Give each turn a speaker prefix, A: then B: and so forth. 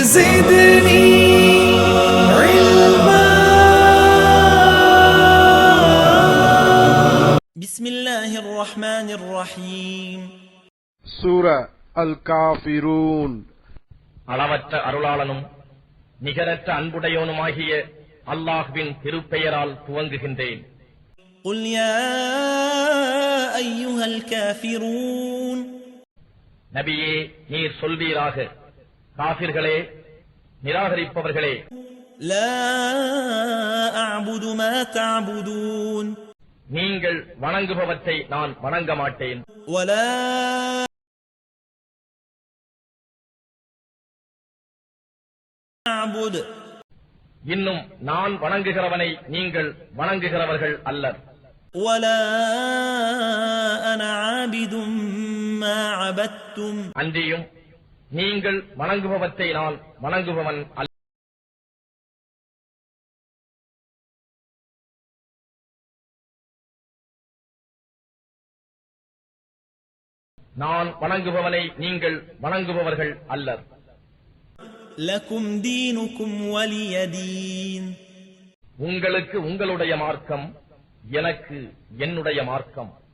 A: زدني علما. بسم الله الرحمن الرحيم.
B: சூரா அல் காஃபிரூன்.
C: அளவற்ற அருளாளனும் நிகரற்ற அன்புடையோனுமாகிய அல்லாஹ்வின் திருப்பெயரால் துவங்குகின்றேன்.
A: قل يا أيها الكافرون.
C: நபியே, நீர் சொல்வீராக, காஃபிர்களே, நிராகரிப்பவர்களே,
A: لا أعبد ما تعبدون.
C: நீங்கள் வணங்குபவற்றை நான் வணங்க மாட்டேன்.
A: ولا أعبد.
C: இன்னும் நான் வணங்குகிறவனை நீங்கள் வணங்குகிறவர்கள் அல்லர்.
A: ولا أنا عابد ما عبدتم.
C: அன்றியும் நீங்கள் வணங்குபவற்றை நான் வணங்குபவன் அல்ல. நான் வணங்குபவனை நீங்கள் வணங்குபவர்கள் அல்லர்.
A: لكم دينكم ولي دين.
C: உங்களுக்கு உங்களுடைய மார்க்கம், எனக்கு என்னுடைய மார்க்கம்.